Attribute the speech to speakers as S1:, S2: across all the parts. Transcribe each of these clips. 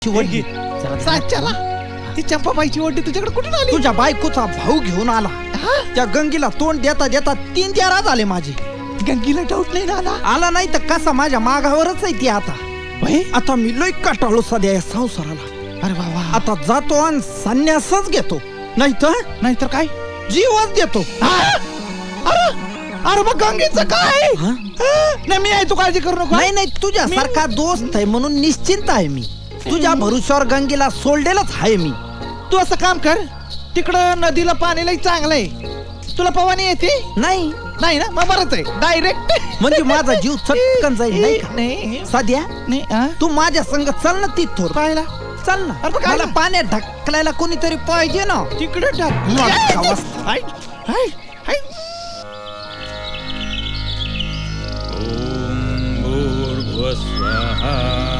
S1: वडगी
S2: साच्याला ती चंपाबाईची वड्डी तुझ्याकडे कुठून आली?
S1: तुझ्या बायकोचा भाऊ घेऊन आला. त्या गंगीला तोंड देता देता 3-4 झाले माझे.
S2: गंगीला डाऊट नाही ना आला?
S1: आला नाही तर कसा माझ्या मागावरच आहे ती आता. आता मी लय कटाळू सध्या या संसाराला.
S2: अरे वा
S1: आता जातो आणि संन्यासच घेतो,
S2: नाहीतर काय
S1: जीवच देतो.
S2: अरे मग गंगेचं काय? नाही मी आहे, तू काळजी करू नको.
S1: नाही तुझ्या सारखा दोस्त आहे म्हणून निश्चिंत आहे मी. तुझ्या भरोश्यावर गंगेला सोडलेलंच आहे मी.
S2: तू असं काम कर, तिकडं नदीला पाणी लई चांगलं आहे. तुला पवानी येते?
S1: नाही
S2: ना मग बरंच आहे, डायरेक्ट.
S1: म्हणजे माझा जीव चटकन जाईल नाही का?
S2: नाही
S1: साध्या
S2: नाही
S1: तू माझ्या संग चल ना तिथोर.
S2: पाहिला
S1: चल ना.
S2: अरे काय
S1: मला पाण्यात ढकलायला कोणीतरी पाहिजे ना.
S2: तिकडे टाक.
S3: स्वाहा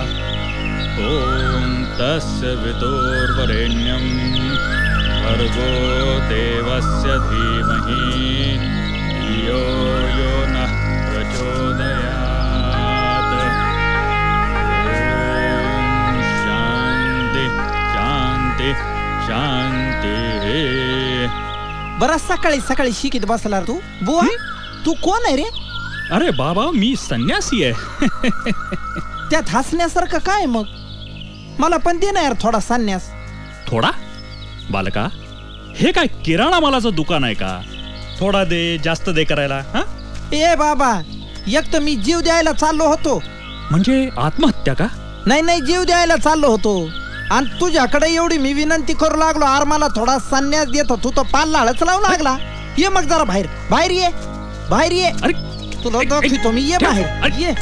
S3: ओम तस्य वितुर्वरेण्यं भर्गो देवस्य धीमहि धियो यो नः प्रचोदयात्. ओम शांती शांती शांती.
S1: बरं सकाळी सकाळी शिकीत बसला तू. बुवा तू कोण आहे रे?
S3: अरे बाबा मी संन्यासी आहे.
S1: त्यात हसण्यासारखं काय मग? मला पण दे ना यार थोडा संन्यास.
S3: थोडा? बालका हे काय किराणा मालाचं दुकान आहे का? थोडा दे जास्त दे करायला? हा
S1: ए बाबा, एक तर मी जीव द्यायला चाललो होतो.
S3: म्हणजे आत्महत्या का?
S1: नाही जीव द्यायला चाललो होतो आणि तुझ्याकडे एवढी मी विनंती करू लागलो, आर मला थोडा संन्यास देतो. तू तर पाल्लाळच लावू लागला. ये मग जरा बाहेर ये.
S3: अरे
S1: तुला दाखवतो मी. ये बाहेर ये.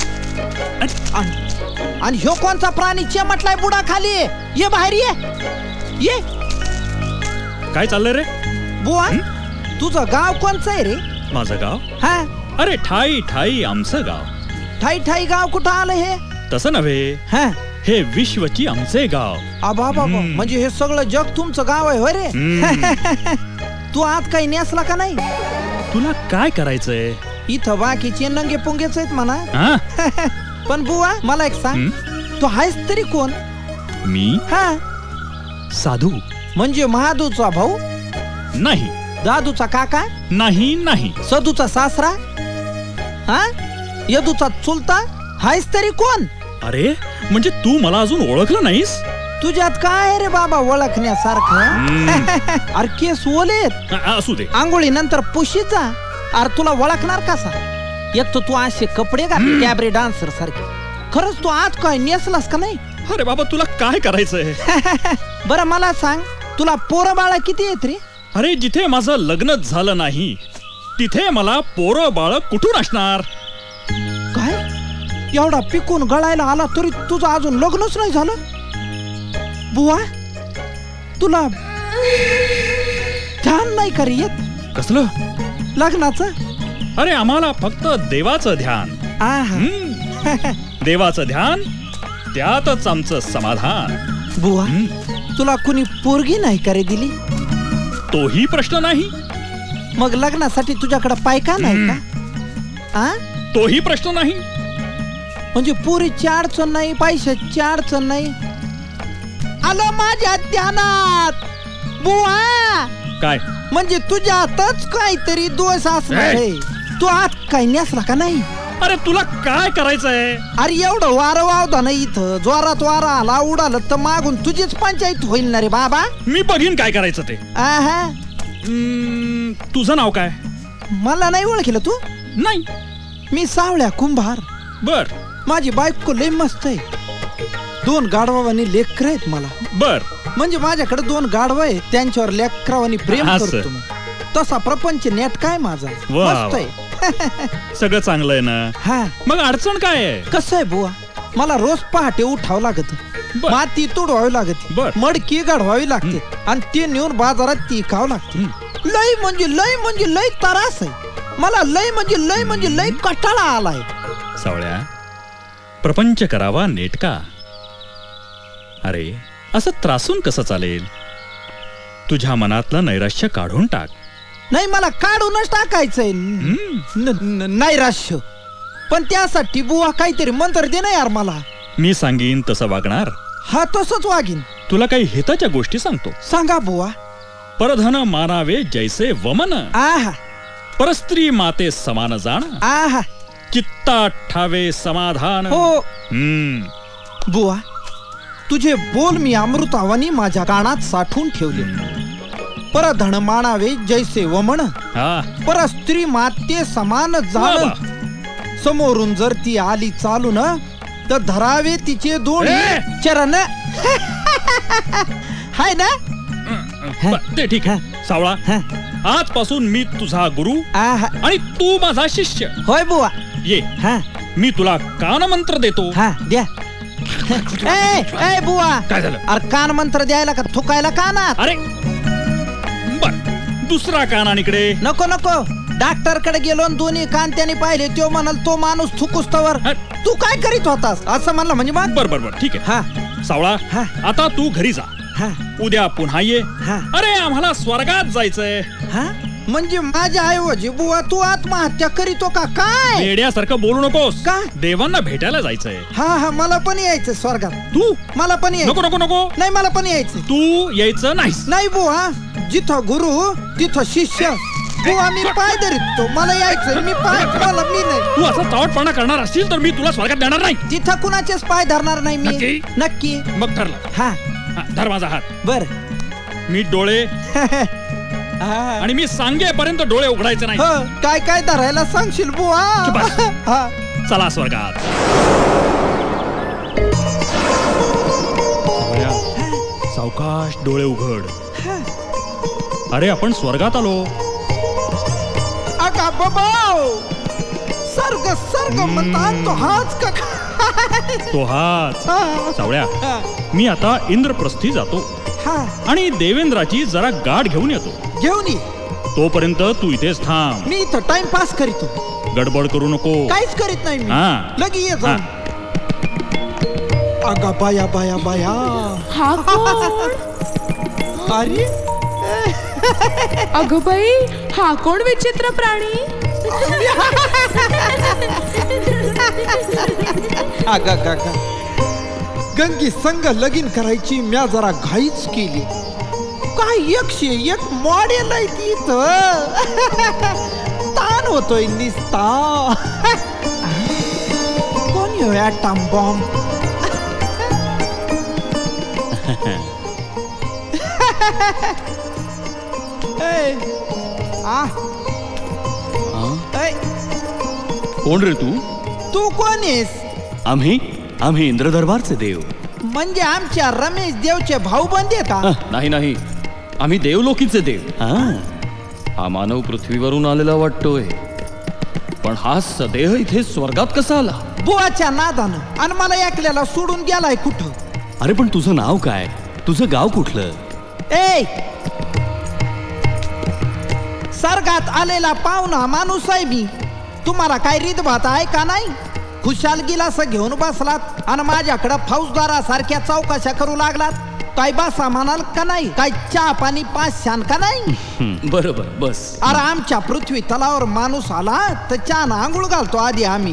S1: आणि ह्यो कोणचा प्राणी चिमटलाय बुडा खाली? ये बाहेर ये.
S3: काय चाललंय रे?
S1: बुवा तुझं गाव कोणचं आहे रे?
S3: माझं गाव?
S1: हा
S3: अरे ठाई आमचं गाव.
S1: ठाई गाव कुठं आलं हे?
S3: तसं नव्हे,
S1: हा
S3: हे विश्वची आमचे गाव.
S1: बाबा म्हणजे हे सगळं जग तुमचं गाव आहे होय रे? तू आत काही नेसला का नाही?
S3: तुला काय करायचंय
S1: इथं बाकीचे नंगे पुंगेच आहेत म्हणा.
S3: हा?
S1: पण बुवा मला एक सांग, तू आहेस तरी कोण?
S3: मी
S1: हा
S3: साधू.
S1: म्हणजे महादूचा भाऊ?
S3: नाही.
S1: दादूचा काका?
S3: नाही.
S1: सदूचा सासरा? हा यदूचा चुलता? हायस तरी कोण?
S3: अरे म्हणजे तू मला अजून ओळखलं नाहीस?
S1: तुझ्यात काय रे बाबा ओळखण्यासारखं? अरे केस ओलेत.
S3: असू दे.
S1: आंघोळी नंतर पुशीत जा. अरे तुला ओळखणार कसा? एक तर तू असे कपडे घातले कॅबरे डान्सर सारखे. खरंच तू आज काय नेसलास का नाही?
S3: अरे बाबा तुला काय करायचंय?
S1: बरं मला सांग, तुला पोरं बाळा किती आहेत रे?
S3: अरे जिथे माझं लग्नच झालं नाही तिथे मला पोरं बाळ कुठून असणार?
S1: काय एवढा पिकून गळायला आला तरी तुझं अजून लग्नच नाही झालं? बुवा तुला ध्यान नाही का रे येत
S3: कसलं
S1: लग्नाचं?
S3: अरे आम्हाला फक्त देवाचं ध्यान. देवाचं ध्यान, त्यातच आमचं समाधान.
S1: बुवा तुला कुणी पोरगी नाही का रे दिली?
S3: तोही प्रश्न नाही.
S1: मग लग्नासाठी तुझ्याकडे पायका नाही का?
S3: तोही प्रश्न नाही.
S1: म्हणजे पोरीची अडचण नाही, पैशाची अडचण नाही. आलं माझ्या ध्यानात बुवा.
S3: काय
S1: म्हणजे तुझ्यातच काहीतरी दोष असणार आहे. तू आत काही नेसला का नाही?
S3: अरे तुला काय करायचंय?
S1: अरे एवढं वारं वावदा नाही इथं. जोरात वारा आला उडालं तर मागून तुझीच पंचायत होईल ना रे बाबा.
S3: मी बघीन काय करायचं ते. तुझं नाव काय?
S1: मला नाही ओळखलं तू?
S3: नाही.
S1: मी सावळ्या कुंभार.
S3: बर.
S1: माझी बायको लय मस्त आहे. 2 गाढवानी लेकर आहेत मला.
S3: बर.
S1: म्हणजे माझ्याकडे 2 गाढव आहेत, त्यांच्यावर लेकरावानी प्रेम करतो मी. तसा प्रपंच नेट काय माझा मस्त आहे.
S3: सगळं चांगलं आहे ना?
S1: हा
S3: मग अडचण काय आहे?
S1: कसं आहे बुवा, मला रोज पहाटे उठावं लागत, माती तोडवावी लागते, मडकी गाढवावी लागते आणि ती नेऊन बाजारात ती खावं लागते. लय त्रास आहे मला. लय कटाळा आलाय.
S3: सावळ्या, प्रपंच करावा नेटका. अरे असं त्रासून कसं चालेल? तुझ्या मनातलं नैराश्य काढून टाक.
S1: नाही मला काढूनच टाकायचंय नैराश्य. पण त्यासाठी बुवा काहीतरी मंत्र दे ना यार मला.
S3: मी सांगीन तसं वागणार?
S1: हा तसंच वागीन.
S3: तुला काही हिताच्या गोष्टी सांगतो.
S1: सांगा बुवा.
S3: परधन मानावे जैसे वमन,
S1: आहा
S3: परस्त्री माते समान जाण,
S1: आहा.
S3: चित्ता ठावे समाधान.
S1: हो बुवा, तुझे बोल मी अमृतावानी माझ्या कानात साठवून ठेवले. परधन मानावे जैसे वमन,
S3: हा
S1: परस्त्री माते समान जाण.
S3: वा.
S1: समोरून जर ती आली चालून तर धरावे तिचे दोन्ही
S3: ए!
S1: चरण. हाय ना.
S3: ते ठीक आहे. सावळा,
S1: हा.
S3: आजपासून मी तुझा गुरु
S1: आहा.
S3: आणि तू माझा शिष्य.
S1: होय बुवा.
S3: ये,
S1: हा
S3: मी तुला कान मंत्र देतो.
S1: हा द्या. ए ए बुवा,
S3: काय झालं?
S1: अरे कान मंत्र द्यायला का थुकायला कानात?
S3: अरे बर, दुसरा कानानिकडे.
S1: नको नको. डॉक्टर कडे गेलो आणि दोन्ही कान त्याने पाहिले. तो म्हणाल तो माणूस थुकुस्तवर
S3: हा.
S1: तू काय करीत होतास असं म्हणलं म्हणजे मग.
S3: बर बर बर ठीक आहे.
S1: हा
S3: सावळा,
S1: हा.
S3: आता तू घरी जा.
S1: हा
S3: उद्या पुन्हा ये.
S1: हा
S3: अरे आम्हाला स्वर्गात जायचंय.
S1: हा. म्हणजे माझ्या ऐवजी बुवा तू आत्महत्या करीतो का काय?
S3: वेड्यासारखं बोलू नकोस.
S1: का?
S3: देवांना भेटायला जायचंय.
S1: हा हा मला पण यायचं स्वर्गात.
S3: तू
S1: मला पण यायचं.
S3: नको नको नको.
S1: नाही मला पण यायचं.
S3: तू यायचं नाहीस.
S1: नाही बुवा, जिथं गुरु तिथं शिष्य. बुवा मी पाय धरितो. मला यायचं. मी पाय मला मी नाही.
S3: तू असा चावटपणा करणार असशील तर मी तुला स्वर्गात देणार नाही.
S1: तिथं कुणाचेच पाय धरणार नाही मी.
S3: नक्की?
S1: नक्की.
S3: मग ठरलं.
S1: हा
S3: हा, धर माझा हात.
S1: बर.
S3: मी डोळे आणि मी सांगेपर्यंत डोळे उघडायचे नाही.
S1: काय काय धरायला सांगशील बुवा?
S3: बस.
S1: हा.
S3: चला स्वर्गात. सावकाश डोळे उघड. अरे आपण स्वर्गात आलो.
S1: अगा बाबाओ, सर्ग सर्ग म्हणतात तो हाच का काय?
S3: तो हाच.
S1: हा.
S3: सावळ्या,
S1: हा.
S3: मी आता इंद्रप्रस्थी जातो
S1: हा.
S3: आणि देवेंद्राची जरा गाठ घेऊन येतो.
S1: घेऊन ये.
S3: तोपर्यंत तू इथेच थांब.
S1: मी इथं टाइमपास करीतो.
S3: गडबड करू नको.
S1: काहीच करीत नाही मी.
S3: हा.
S1: लगी ये
S3: हा.
S1: जाऊन. अगा बाया बाया बाया.
S4: हा कोण?
S1: अरे
S4: अगं बाई, हा कोण विचित्र प्राणी?
S1: अगा गागा, गंगी संग लगीन करायची म्या जरा घाईच केली. काय 101 मॉडेल आहे तिथं. ताण होतोय निस्ता. कोण येऊ ॲटम बॉम्ब? ए, आ, ए,
S5: कोण रे तू?
S1: तू कोण आहेस?
S5: आम्ही इंद्रदरबारचे देव.
S1: म्हणजे आमच्या रमेश देवचे भाऊ बंद का?
S5: नाही नाही, आम्ही देवलोकीचे देव. हा मानव पृथ्वीवरून आलेला वाटतोय, पण हा सदेह इथे स्वर्गात कसा आला?
S1: बुवाच्या नादानं. आणि मला एकल्याला सोडून गेलाय कुठं?
S5: अरे पण तुझं नाव काय? तुझं गाव कुठलं?
S1: ए, सर्गात आलेला पाहुणा माणूस आहे मी. तुम्हाला काय रीतभात आहे का नाही? खुशाल गिलास घेऊन बसलात आणि माझ्याकडं फौजदारासारख्या चौकशा करू लागलात. काय बसा म्हणाल का नाही? काय चहा पाणी पाच शान का नाही?
S5: बरोबर, बस.
S1: अरे आमच्या पृथ्वी तलावर माणूस आला तर चहा आंघोळ घालतो आधी आम्ही.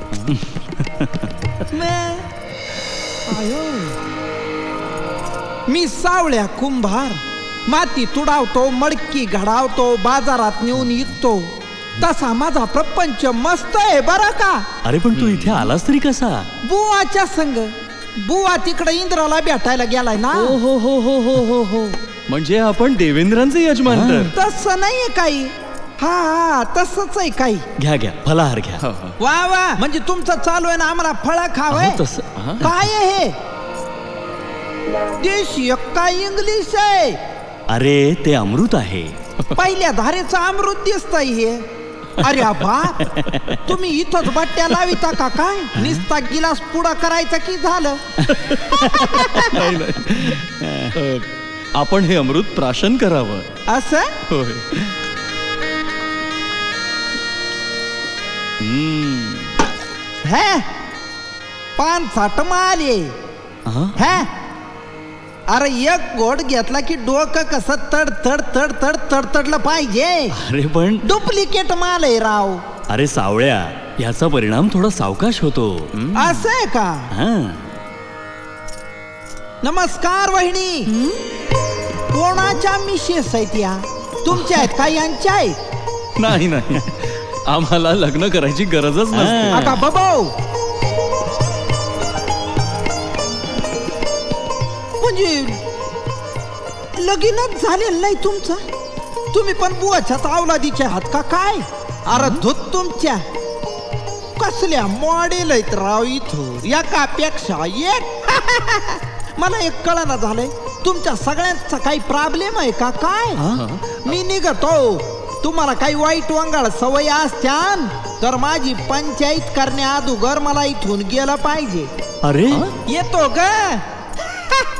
S1: मी सावळ्या कुंभार. माती तुडावतो, मडकी घडावतो, बाजारात नेऊन विकतो. तसा माझा प्रपंच मस्त आहे बरं का.
S5: अरे पण तू इथे आलास तरी कसा?
S1: बुवाच्या संग. बुवा तिकडे इंद्राला भेटायला गेलाय ना.
S5: हो. म्हणजे आपण देवेंद्रांचे यजमान तर.
S1: तसं नाहीये काही. हा तसंच आहे काही.
S5: घ्या फलाहार घ्या.
S1: वा वा, म्हणजे तुमचं चालू आहे ना आम्हाला फळ खावंय.
S5: तसं
S1: काय आहे हे? देशी काय इंग्लिश आहे?
S5: अरे ते अमृत आहे.
S1: पहिल्या धारेचं अमृत दिसतंय हे. अरे बाप, तुम्ही इथंच बट्ट्या लाविता का काय? निस्ता गिलास पुडा करायचा की झालं?
S5: आपण हे अमृत प्राशन करावं.
S1: असं?
S5: होय.
S1: हे पान साठ माले. हे अरे एक गोड घेतला की डोकं कसं तड तड तड तड तडतडलं पाहिजे.
S5: अरे पण
S1: डुप्लिकेट माल आहे राव.
S5: अरे सावळ्या, याचा परिणाम थोडा सावकाश होतो.
S1: असं आहे का?
S5: हा.
S1: नमस्कार वहिनी. कोणाच्या मिसेस आहेत या? तुमच्या आहेत का यांच्या आहेत?
S5: नाही नाही, आम्हाला लग्न करायची गरजच नसते.
S1: आता बाबाओ, म्हणजे लगीनच झालेलं नाही तुमचं? तुम्ही पण बुवाच्या अवलादीचे आहात का काय? अरे धूत तुमच्या कसल्या मॉडेल आहेत राव इथं, एकापेक्षा एक. मला एक कळना झालंय, तुमच्या सगळ्यांचा काही प्रॉब्लेम आहे का काय? मी निघतो. तुम्हाला काही वाईट वांगाळ सवय असत्यान तर माझी पंचायत करण्या अगोदर मला इथून गेलं पाहिजे.
S3: अरे
S1: येतो ग.